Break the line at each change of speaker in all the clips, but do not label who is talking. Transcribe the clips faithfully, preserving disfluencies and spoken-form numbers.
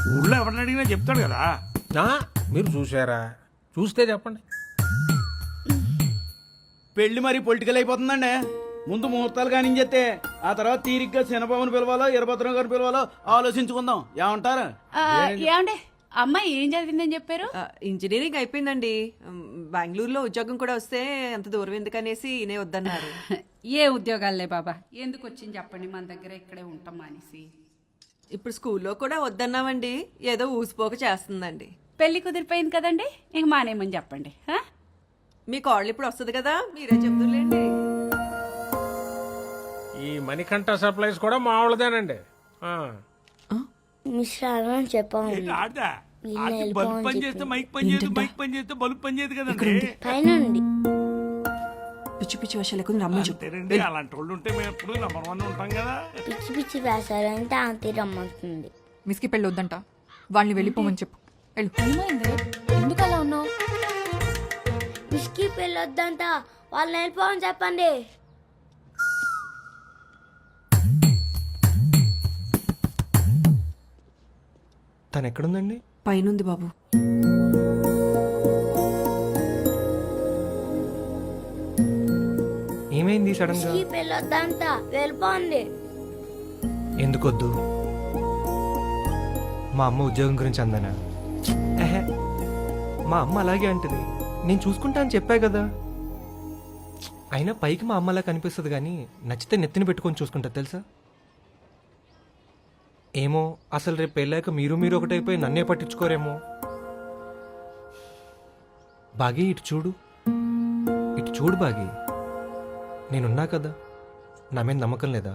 ఊళ్ళో ఎవరిని అడిగినా చెప్తాడు కదా.
మీరు చూసారా? చూస్తే చెప్పండి.
పెళ్లి మరి పొలిటికల్ అయిపోతుందండి. ముందు ముహూర్తాలు కానించేస్తే ఆ తర్వాత తీరిగ్గా శనబాబుని పిలవాలో ఇరభద్రం గారిని పిలవాలో ఆలోచించుకుందాం. ఏమంటారు?
ఏమండి అమ్మాయి ఏం చదివిందని చెప్పారు?
ఇంజనీరింగ్ అయిపోయిందండి. బెంగళూరులో ఉద్యోగం కూడా వస్తే అంత దూరం ఎందుకనేసి ఈయనే వద్దన్నారు.
ఏ ఉద్యోగాలే బాబా, ఎందుకు వచ్చింది చెప్పండి, మన దగ్గర ఇక్కడే ఉంటాం అనేసి.
ఇప్పుడు స్కూల్లో కూడా వద్దన్నామండి, ఏదో ఊసిపోక చేస్తుందండి.
పెళ్లి కుదిరిపోయింది కదండి, ఇంక మానేమని చెప్పండి.
మీ కాళ్ళు ఇప్పుడు వస్తుంది కదా, మీరే చెప్తులేండి.
ఈ మణికంఠ సప్లైస్ కూడా మా వాళ్ళదేనండి.
చెప్పాము ఆడదా బల్బ్ పని చేస్తే మైక్ పని చేయదు, మైక్ పని చేస్తే బల్బ్ పని చేయదు కదండి.
పిచ్చి పిచ్చి వర్షాలకు రమ్మండి.
అలాంటి వాళ్ళు ఉంటే మేము ఎప్పుడు నెంబర్ వన్ ఉంటాం కదా.
పిచ్చి పిచ్చి వేసారంటే ఆంటీ రమ్మంటుంది.
మిస్కి పెళ్ళి వద్దంట, వాళ్ళని వెళ్ళిపోమని చెప్పు. ఎందుకు అలా ఉన్నావు?
మిస్కి పెళ్ళి వద్దంట, వాళ్ళని వెళ్ళిపోమని చెప్పండి.
తను ఎక్కడుందండి?
పైనుంది బాబు.
ఏమైంది సడన్ గా?
మిస్కి పెళ్ళి వద్దంట, వెళ్ళిపోండి.
ఎందుకొద్దు? మా అమ్మ ఉద్యోగం గురించి అందనా? ఎహే, మా అమ్మ అలాగే అంటది. నేను చూసుకుంటా అని చెప్పా కదా. అయినా పైకి మా అమ్మ అలా కనిపిస్తుంది కానీ నచ్చితే నెత్తిని పెట్టుకొని చూసుకుంటా తెలుసా. ఏమో అసలు రేపు పెళ్ళాక మీరు మీరు ఒకటైపోయి నన్నే పట్టించుకోరేమో. బాగి ఇటు చూడు, ఇటు చూడు బాగి. నేనున్నా కదా, నా మీద నమ్మకం లేదా?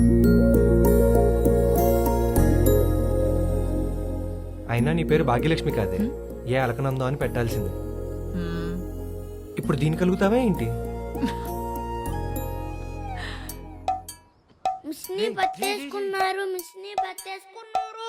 అయినా నీ పేరు భాగ్యలక్ష్మి కాదే, ఏ అలకనందో అని పెట్టాల్సింది. ఇప్పుడు దీని కలుగుతావా ఏంటి?
మిస్ని పట్టేసుకున్నారు, మిస్ని పట్టేసుకున్నారు.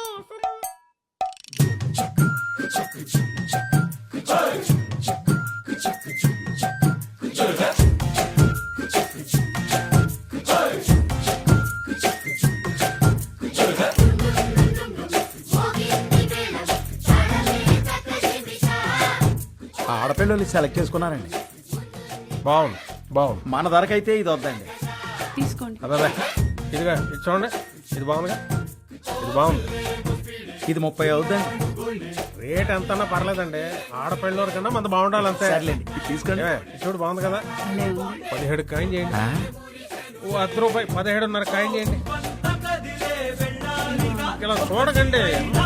ఆడపిల్లలు సెలెక్ట్ చేసుకున్నారండి.
బాగుంది బాగుంది.
మన ధరకైతే ఇది వద్దండి.
తీసుకోండి.
అదే ఇదిగా ఇది చూడండి, ఇది బాగుందిగా, ఇది బాగుంది.
ఇది ముప్పై అవుద్దండి.
రేట్ ఎంతన్నా పర్లేదండి, ఆడపిల్లల కన్నా మంది బాగుండాలి అంతే.
సర్లేండి, ఇది తీసుకోండి.
ఏ, ఇది చూడు బాగుంది కదా. పదిహేడు కాయం చేయండి. ఓ అర్ధ రూపాయి పదిహేడున్నర కాయం చేయండి. ఇలా చూడకండి.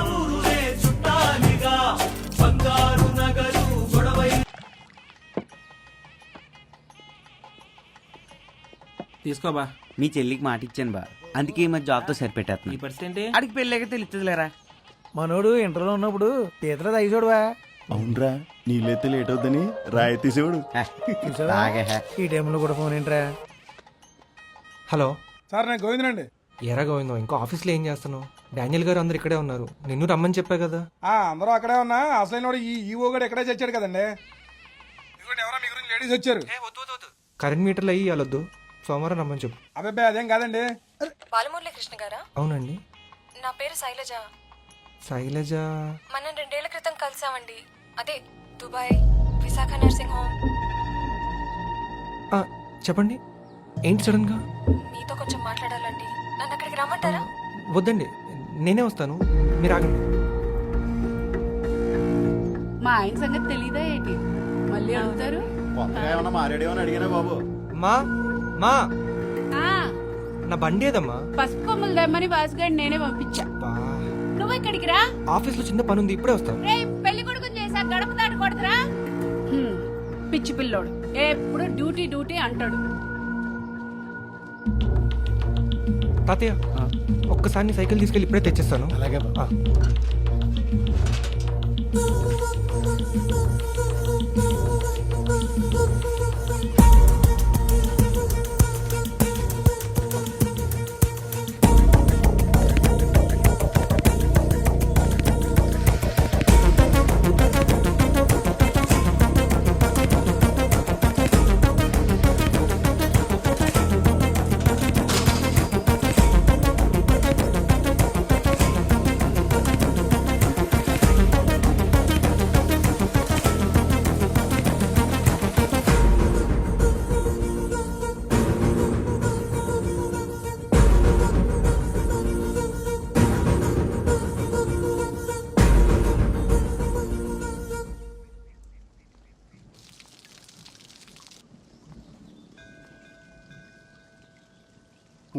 తీసుకోబా, మీ చెల్లికి మాట ఇచ్చాను బా, అందుకే ఈ మధ్య జాబ్తో సరిపెట్టేస్తున్నా. ఈ పరిస్థితి అడిగి పెళ్ళాక తెలుస్తుందిలేరా.
మనోడు ఇంటర్లో ఉన్నప్పుడు తీతలో తగ్గిచోడువా.
అవునరా, నీళ్ళైతే లేట్ అవుద్దని రాయితీ చూడు.
ఈ టైంలో కూడా ఫోన్ ఏంట్రా?
హలో
సార్, నేను గోవిందనండి.
ఎరా గోవిందో, ఇంకా ఆఫీస్లో ఏం చేస్తున్నావు? డానియల్ గారు అందరు ఇక్కడే ఉన్నారు, నిన్ను రమ్మని చెప్పా కదా.
అందరూ అక్కడే ఉన్నా, అసలైన ఈ ఈవో గడు ఎక్కడే చచ్చాడు కదండి. ఎవరో మీ గురించి లేడీస్ వచ్చారు.
కరెంట్ మీటర్లు అయ్యి వెళ్ళొద్దు, సోమవారం రమ్మని చెప్పు.
అబ్బాయి అదేం కాదండి.
బాలమురళి కృష్ణ గారా?
అవునండి.
నా పేరు శైలజ.
శైలజ?
మనం రెండేళ్ల క్రితం కలిసామండి, అదే దుబాయ్ విశాఖ నర్సింగ్ హోమ్.
ఆ, చెప్పండి, ఏంటి సడన్ గా?
మీతో కొంచెం మాట్లాడాలండి, నన్ను అక్కడికి రమ్మంటారా?
వద్దండి, నేనే వస్తాను, మీరు ఆగండి.
మా ఆయన సంగతి తెలీదా ఏంటి? మళ్ళీ అడుగుతారు.
ఏమన్నా మారేడేమని అడిగినా బాబు.
మా మా
ఆ,
నా బండి ఏదమ్మా?
పసుపు కొమ్మలు దమ్మని బాసుగాడి నేనే పంపించా. నువ్వు ఇక్కడికి రా.
ఆఫీస్ లో చిన్న పని ఉంది, ఇప్పుడే వస్తాను.
రే, పెళ్లి కొడుకుని చేసా గడప దాటకూడదురా. హ్మ్, పిచ్చి పిల్లోడు ఎప్పుడు డ్యూటీ డ్యూటీ అంటాడు.
తాతయ్య, ఒక్కసారి నీ సైకిల్ తీసుకెళ్ళి ఇప్పుడే తెచ్చేస్తాను.
అలాగే
ఆ.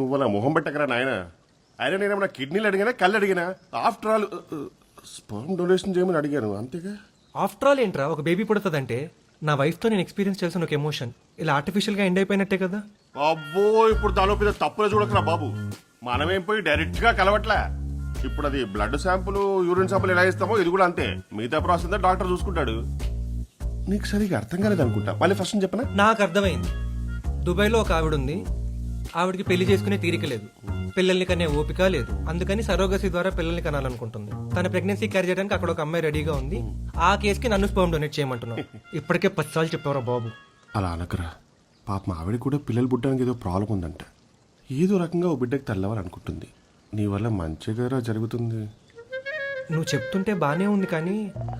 నువ్వు అలా మొహం పెట్టకరా నాయన. అయినా నేనేమన్నా కిడ్నీలు అడిగానా కళ్ళు అడిగానా? ఆఫ్టర్ ఆల్ స్పర్మ్ డొనేషన్ చేయమని అడిగాను అంతేగా.
ఆఫ్టర్ ఆల్ ఏంట్రా ఒక బేబీ పుడుతుందంటే నా వైఫ్తో నేను ఎక్స్పీరియన్స్ చేసిన ఒక ఎమోషన్ ఇలా ఆర్టిఫిషియల్గా ఎండ్ అయిపోయినట్టే కదా.
అబ్బో ఇప్పుడు దానిలో పెద్ద తప్పులే చూడకరా బాబు. మనమేం పోయి డైరెక్ట్ గా కలవట్లే. ఇప్పుడు అది బ్లడ్ శాంపుల్ యూరిన్ శాంపుల్ ఎలా ఇస్తామో ఇది కూడా అంతే. మిగతా ప్రాసెస్ డాక్టర్ చూసుకుంటాడు. నీకు సరిగా అర్థం కాలేదు అనుకుంటా. మళ్ళీ ఫస్ట్ చెప్పనా?
నాకు అర్థమైంది. దుబాయ్లో ఒక ఆవిడ ఉంది. ఆవిడకి పెళ్లి చేసుకునే తీరిక లేదు, పిల్లల్ని కనే ఓపిక లేదు. అందుకని సరోగసి ద్వారా పిల్లల్ని కనాలనుకుంటుంది. తన ప్రెగ్నెన్సీ క్యారీ చేయడానికి అక్కడ ఒక అమ్మాయి రెడీగా ఉంది. ఆ కేసుకి నన్ను స్పర్మ్ డొనేట్ చేయమంటున్నావు. ఇప్పటికే పది సార్లు చెప్పావురా బాబు.
అలా అనకరా. పాప మా ఆవిడ కూడా పిల్లలు పుట్టడానికి ఏదో ప్రాబ్లం ఉందంట. ఏదో రకంగా ఓ బిడ్డకి తల్లవాలనుకుంటుంది. నీ వల్ల మంచిగా జరుగుతుంది.
నువ్వు చెప్తుంటే బానే ఉంది కానీ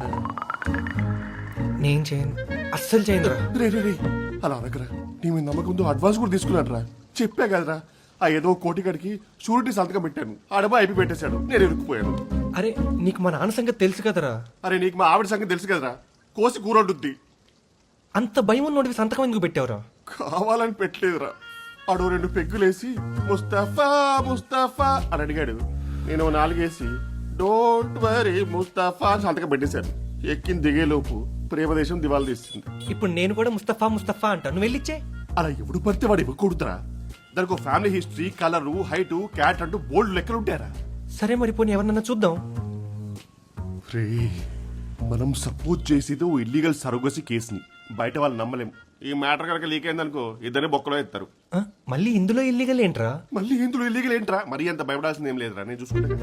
నేను చేయను, అస్సలు చేయను రా.
రే రే రే అలా అనకరా. నీ మీద నమ్మకంతో అడ్వాన్స్ కూడా తీసుకున్నాడు రా. చెప్పా కదరా ఆ ఏదో కోటికాడికి షూరిటీ సంతకం పెట్టాను. ఆడబా అయిపోయి పెట్టేశాడు. నేను ఇరుక్కుపోయాను.
అరే నీకు మా నాన్న సంగతి తెలుసు కదరా.
అరే నీకు మా ఆవిడ సంగతి తెలుసు కదరా. కోసి కూరొడ్డుద్ది.
అంత భయం ఉన్నోడివి సంతకం ఎందుకు పెట్టావురా?
కావాలని పెట్టలేదురా. ఆడు రెండు పెగ్గులేసి ముస్తఫా ముస్తఫా అని అడిగాడు. నేను నాలుగేసి డోంట్ వరీ ముస్తఫా అని సంతకం పెట్టేశాను. ఎక్కిన దిగేలోపు ప్రేమదేశం దివాళ తీస్తుంది.
ఇప్పుడు నేను కూడా ముస్తఫా ముస్తఫా అంటా, నువ్వు వెళ్ళిచ్చే.
అలా ఎవడు పడితే వాడు ఇవ్వకూడదురా. దానికి family history, colour, height, cat అంటూ బోల్డ్ లెక్కలు ఉంటారా.
సరే మరి పోనీ ఎవరన్నా చూద్దాం.
రే మనం సపోజ్ చేసేది ఓ ఇల్లీగల్ సరోగసి కేసుని. బయట వాళ్ళు నమ్మలేం. ఈ మ్యాటర్ కనుక లీక్ అయిందనుకో ఇద్దరే బొక్కలో ఎత్తారు.
ఆ, మళ్ళీ ఇందులో ఇల్లీగల్ ఏంట్రా?
మళ్ళీ ఇందులో ఇల్లీగల్ ఏంట్రా? మరీ అంత భయపడాల్సింది ఏం లేదురా. నేను చూసుకుంటా.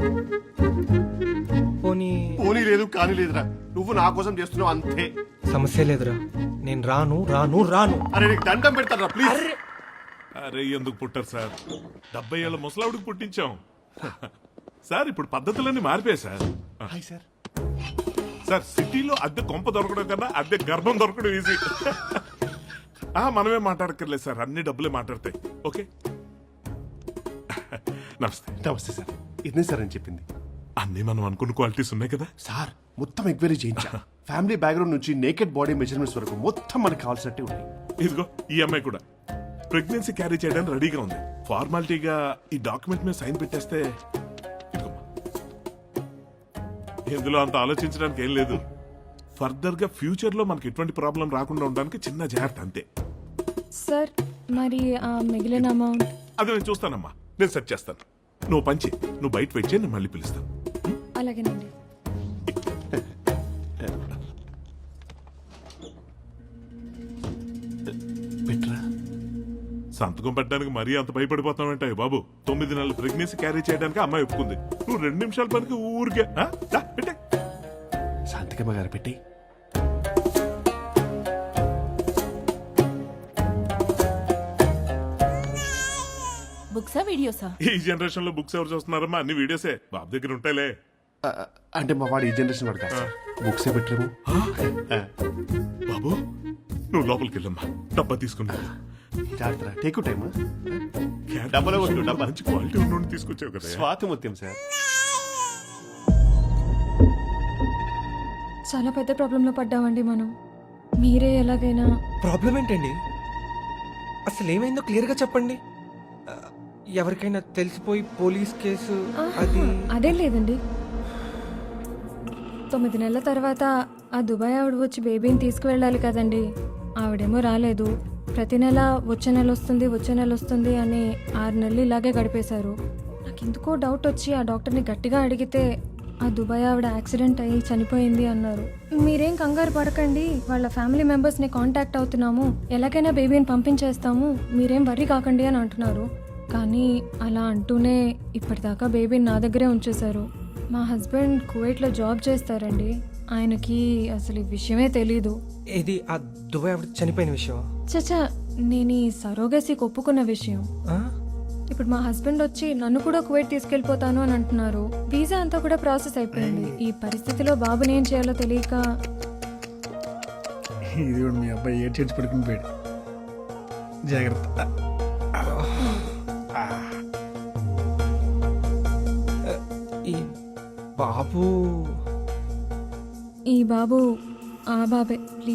పోనీ
పోనీ లేదు కానీ లేదురా. నువ్వు నా కోసం చేస్తున్నావు అంతే.
సమస్య లేదురా. నేను రాను రాను రాను.
అరే నీకు దండం పెడతారా ప్లీజ్.
అరే ఎందుకు పుట్టారు సార్? డెబ్బై ఏళ్ళ ముసలావిడికి పుట్టించాం సార్. ఇప్పుడు పద్ధతులన్నీ మారిపోయాయి సార్.
Hi sir.
సార్ సిటీలో అద్దె కొంప దొరకడం కన్నా అద్దె గర్భం దొరకడం ఈజీ. ఆ మనమే మాట్లాడక్కర్లేదు సార్, అన్ని డబ్బులే మాట్లాడతాయి. ఓకే నమస్తే.
నమస్తే సార్. ఇదే సార్ అని చెప్పింది.
అన్ని మనం అనుకున్న క్వాలిటీస్ ఉన్నాయి కదా
సార్. మొత్తం ఎంక్వైరీ చేయించా. ఫ్యామిలీ బ్యాక్గ్రౌండ్ నుంచి నేకెడ్ బాడీ మెజర్మెంట్స్ వరకు మొత్తం మనకు కావాల్సినట్టే ఉన్నాయి.
ఇదిగో ఈ అమ్మాయి కూడా ప్రెగ్నెన్సీ క్యారీ చేయడానికి రెడీగా ఉంది. ఫార్మాలిటీగా ఈ డాక్యుమెంట్ మీద సైన్ పెట్టేస్తే ఇందులో అంత ఆలోచించడానికి ఏం లేదు. ఫర్దర్ గా ఫ్యూచర్ లో మనకి ఎటువంటి ప్రాబ్లం రాకుండా ఉండడానికి చిన్న జాగ్రత్త అంతే.
సార్ మరి ఆ మిగిలిన అమౌంట్?
అది నేను చూస్తానమ్మా, నేను సెట్ చేస్తాను. నువ్వు పంచి నువ్వు బయట వెయిట్ చేయి, నేను మళ్ళీ పిలుస్తాను.
అలాగేనండి.
పెట్రా
సంతకం పెట్టడానికి మరీ అంత భయపడిపోతామంటాయి బాబు. తొమ్మిది నెలల ప్రెగ్నెన్సీ క్యారీ చేయడానికి అమ్మాయి ఒప్పుకుంది. నువ్వు రెండు నిమిషాల పనికి ఊరికే ఆ? దా, పెట్టే.
శాంతికమ్మ గారు పెట్టి.
బుక్సా వీడియోసా?
ఈ జనరేషన్ లో బుక్స్ ఎవరు చూస్తున్నారమ్మా? అన్ని వీడియోసే. బాబు దగ్గర ఉంటాయిలే.
అంటే మా వాడు ఈ జనరేషన్ వాడు కాదు. బుక్స్ ఏ పెట్టలేము.
బాబు నువ్వు లోపలికి వెళ్ళమ్మా, డబ్బా తీసుకున్నా.
జాగ్రత్త. Take time.
డబ్బా మంచి క్వాలిటీ ఉన్న తీసుకొచ్చావు కదా.
స్వాతి ముత్యం సార్.
చాలా పెద్ద ప్రాబ్లంలో పడ్డామండి మనం. మీరే ఎలాగైనా.
ప్రాబ్లం ఏంటండి? అసలు ఏమైందో క్లియర్ గా చెప్పండి. ఆ, ఎవరికైనా తెలిసిపోయి పోలీస్ కేసు అది
అదేం లేదండి. తొమ్మిది నెలల తర్వాత ఆ దుబాయ్ ఆవిడ వచ్చి బేబీని తీసుకువెళ్ళాలి కదండి. ఆవిడేమో రాలేదు. ప్రతి నెల వచ్చే నెల వస్తుంది వచ్చే నెల వస్తుంది అని ఆరు నెలలు ఇలాగే గడిపేశారు. నాకు ఎందుకో డౌట్ వచ్చి ఆ డాక్టర్ని గట్టిగా అడిగితే ఆ దుబాయ్ ఆవిడ యాక్సిడెంట్ అయ్యి చనిపోయింది అన్నారు. మీరేం కంగారు పడకండి, వాళ్ళ ఫ్యామిలీ మెంబర్స్ని కాంటాక్ట్ అవుతున్నాము, ఎలాగైనా బేబీని పంపించేస్తాము, మీరేం వర్రీ కాకండి అని అంటున్నారు. కానీ అలా అంటూనే ఇప్పటిదాకా బేబీని నా దగ్గరే ఉంచేశారు. మా హస్బెండ్ కువైట్లో జాబ్ చేస్తారండి. ఆయనకి అసలు ఈ విషయమే తెలీదు.
ఇది ఆ దుబాయ్ ఆవిడ చనిపోయిన విషయం.
చచ్చా, నేను ఈ సరోగసికి ఒప్పుకున్న విషయం.
ఆ?
ఇప్పుడు మా హస్బెండ్ వచ్చి నన్ను కూడా కువైట్ తీసుకెళ్ళిపోతాను అని అంటున్నారు. వీసా అంతా కూడా ప్రాసెస్ అయిపోయింది. ఈ పరిస్థితిలో బాబుని ఏం చేయాలో తెలియక.
ఇది కూడా మీ అబ్బాయి ఏడ్ చేసి పడుకుని పోయాడు. జాగ్రత్త.
ఈ బాబు
ఈ బాబు ఆ బాబే.